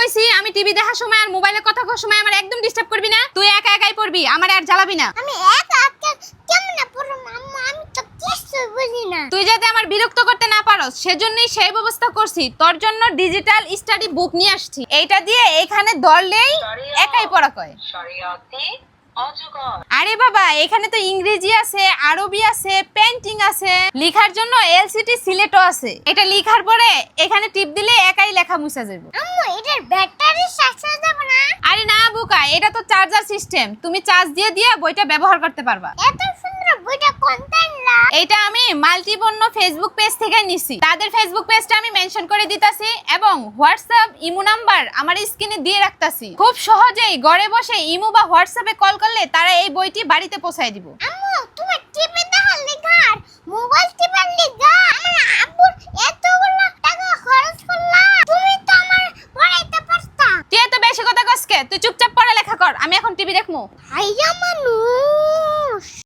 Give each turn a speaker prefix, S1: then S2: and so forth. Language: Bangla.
S1: কইছি আমি টিভি দেখার সময় আর মোবাইলে কথা কওয়ার সময় আমার একদম ডিস্টার্ব করবি না। তুই একা একাই পড়বি, আমার আর জ্বালাবি না।
S2: আমি একা একা কেমনে পড়ব আম্মু? আমি তো কিছুই বুঝি না।
S1: তুই যাতে আমার বিরক্ত করতে না পারস সেজন্যই সেই ব্যবস্থা করছি। তোর জন্য ডিজিটাল স্টাডি বুক নিয়ে আসছি। এইটা দিয়ে এখানে ধরলেই একাই পড়া কয়। আরে বাবা, এখানে তো ইংরেজি আছে, আরবি আছে, পেইন্টিং আছে, লেখার জন্য এলসিডি সিলেটও আছে। এটা লেখার পরে এখানে টিপ দিলে একাই লেখা মুছা যাবে।
S2: আম্মু এটার ব্যাটারি শেষ হয়ে যাবে না?
S1: আরে না বুকা, এটা তো চার্জার সিস্টেম, তুমি চার্জ দিয়ে দিয়ে বইটা ব্যবহার করতে পারবা।
S2: এত সুন্দর বইটা কোনটা না?
S1: এটা আমি মাল্টিপন্য ফেসবুক পেজ থেকে নিছি। তাদের ফেসবুক পেজটা আমি মেনশন করে দিতাছি এবং হোয়াটসঅ্যাপ ইমো নাম্বার আমার স্ক্রিনে দিয়ে রাখতাছি। খুব সহজেই ঘরে বসে ইমো বা হোয়াটসঅ্যাপে কল করলে তারা এই বইটি বাড়িতে পৌঁছায় দিব।
S2: আম্মু তুমি টিপে দেখার লিগা আর মোবাইল টিপার লিগা আমার আব্বুর এতগুলো টাকা খরচ করলা, তুমি তো আমার পড়াইতে পারতা।
S1: তুই এত বেশি কথা কসকে, তুই চুপচাপ পড়ালেখা কর, আমি এখন টিভি দেখবো।
S2: হাইয়া মানুষ।